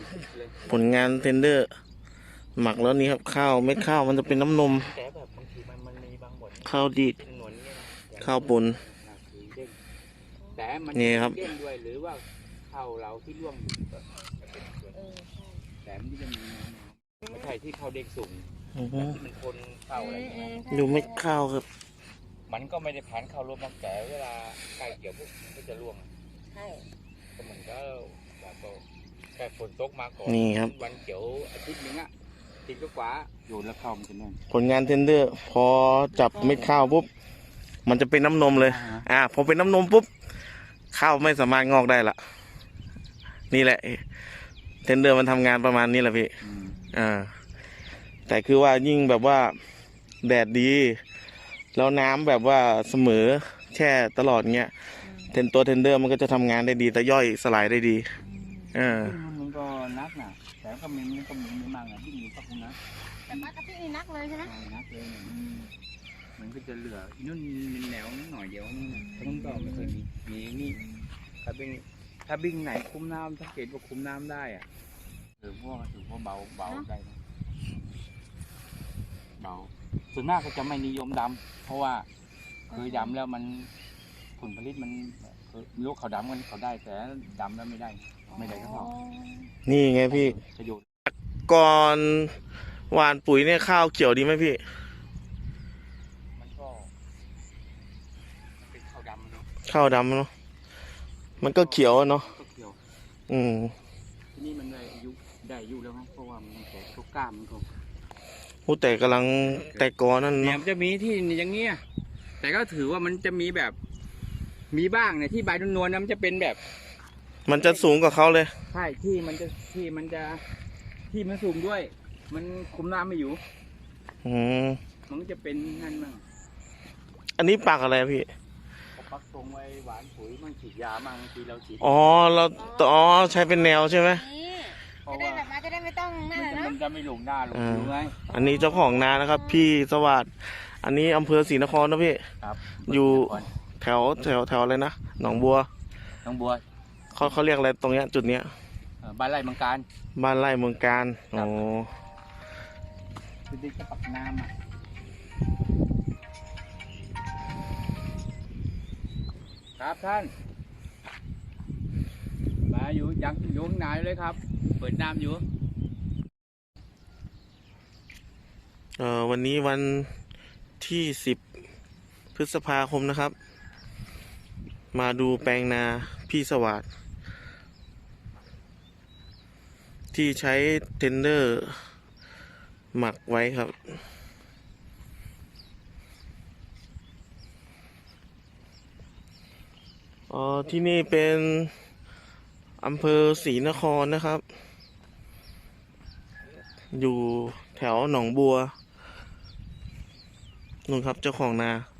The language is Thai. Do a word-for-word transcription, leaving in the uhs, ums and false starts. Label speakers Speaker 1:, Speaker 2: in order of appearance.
Speaker 1: ผลงานเทนเดอร์หมักแล้วนี่ครับข้าวเม็ดข้าวมันจะเป็นน้ำนม
Speaker 2: แต่แบบบางทีมันมันมีบางบท
Speaker 1: ข้าวดีด
Speaker 2: หนวลเนี่ย
Speaker 1: ข้าวปุ้น
Speaker 2: แต่มัน
Speaker 1: นี่ครับ
Speaker 2: เด้งด้วยหรือว่าข้าวเราที่ร่วงอยู่ก็จะเป็นส่วนแต่มันจะมีไม่ใช่ที่ข้าวเด้งสูงที่มันคนข้าวอะไรเงี้ย
Speaker 1: ดูเม็ดข้าวครับ
Speaker 2: มันก็ไม่ได้ผ่านข้าวรวมมาแต่เวลาใกล้เกี่ยวปุ๊บก็จะร่วง
Speaker 3: ใช่
Speaker 2: ก็เหมือนก็แบบแค่ฝนตกมาก่อน
Speaker 1: นี่ครับ
Speaker 2: วันเกี่ยวอาทิตย์นึงอ่ะติดก็กว่าโยนแล้วข้าวมันจะแน่น
Speaker 1: ผลงานเทนเดอร์พอจับเม็ดข้าวปุ๊บมันจะเป็นน้ำนมเลย อ่าพอเป็นน้ำนมปุ๊บข้าวไม่สามารถงอกได้ละนี่แหละเทนเดอร์มันทำงานประมาณนี้แหละพี่อ่าแต่คือว่ายิ่งแบบว่าแดดดีแล้วน้ำแบบว่าเสมอแช่ตลอดเงี้ยเทนตัวเทนเดอร์มันก็จะทำงานได้ดีแต่ย่อยสลายได้ดีอ่า
Speaker 2: มันก็นักนะแต่ก็มีมันก็มีไม่มากนะที่มีก็คงนะ
Speaker 3: แต่ปลากระพี่นี่นักเลยใช่ไหม
Speaker 2: นักเลยมันก็จะเหลือนู่นมีแนวหน่อยเดียวนี่นะทั้งก็ไม่เคยมีมีนี่ถ้าบิ้งถ้าบิ้งไหนคุ้มน้ำสังเกตว่าคุ้มน้ำได้อะถือว่าถือว่าเบาเบาได้เบาส่วนมากก็จะไม่นิยมดำเพราะว่าคือดำแล้วมันผลผลิตมันลูกเขาดำกันเขาได้แต่ดำแล้วไม่ได้ไม่ได้ก็พอ
Speaker 1: นี่ไงพี่
Speaker 2: ประโยชน์
Speaker 1: ก่อนหว่านปุ๋ยเนี่ยข้าวเขียวดีไหมพี่
Speaker 2: มันก็เป็นข้าวดำเนาะ
Speaker 1: ข้าวดำเนาะมันก็เขียวเนาะอืม
Speaker 2: ที่นี่มันได้อายุได้อายุแล้วเพราะว่ามันแก่ทุกกล้ามมันก็
Speaker 1: ผู้แต่กำลังแต่กอนั่นเนาะ
Speaker 2: เนี่ยมันจะมีที่อย่างเงี้ยแต่ก็ถือว่ามันจะมีแบบมีบ้างเนี่ยที่ใบนวลๆนะมันจะเป็นแบบ
Speaker 1: มันจะสูงกว่าเขาเลย
Speaker 2: ใช่ที่มันจะที่มันจะที่มันสูงด้วยมันคุมน้ำไม่อยู่
Speaker 1: อืม
Speaker 2: มันจะเป็นนั่นมั่ง
Speaker 1: อันนี้ปักอะไรพี่
Speaker 2: ปักตรงไว้หวานปุ๋ยมันฉีดยามั่งทีเราฉีด
Speaker 1: อ๋อเราอ๋อใช้เป็นแนวใช่ไหม
Speaker 3: จะได้แบบมาจะได้ไม่ต้องนั่นนะ
Speaker 2: มันจะไม่หลงหน้าหลงอยู่ไง
Speaker 1: อันนี้เจ้าของนานะครับพี่สวัสดิ์อันนี้อำเภอศรีนครนะพี่อยู่แถวแถวแถวอะไรนะหนองบัว
Speaker 2: หนองบัว
Speaker 1: เขาเขาเรียกอะไรตรงเนี้ยจุดเนี้ย
Speaker 2: บ้านไร่เมืองการ
Speaker 1: บ้านไร่เมืองการอ๋อ
Speaker 2: คือดิจะปักน้ำอ่ะครับท่านมาอยู่ยังอยู่ข้างในเลยครับเปิดน้ำอยู่
Speaker 1: เอ่อวันนี้วันที่สิบพฤษภาคมนะครับมาดูแปลงนาพี่สวัสดิ์ที่ใช้เทนเดอร์หมักไว้ครับอ๋อที่นี่เป็นอำเภอศรีนครนะครับอยู่แถวหนองบัวนู่นครับเจ้าของนา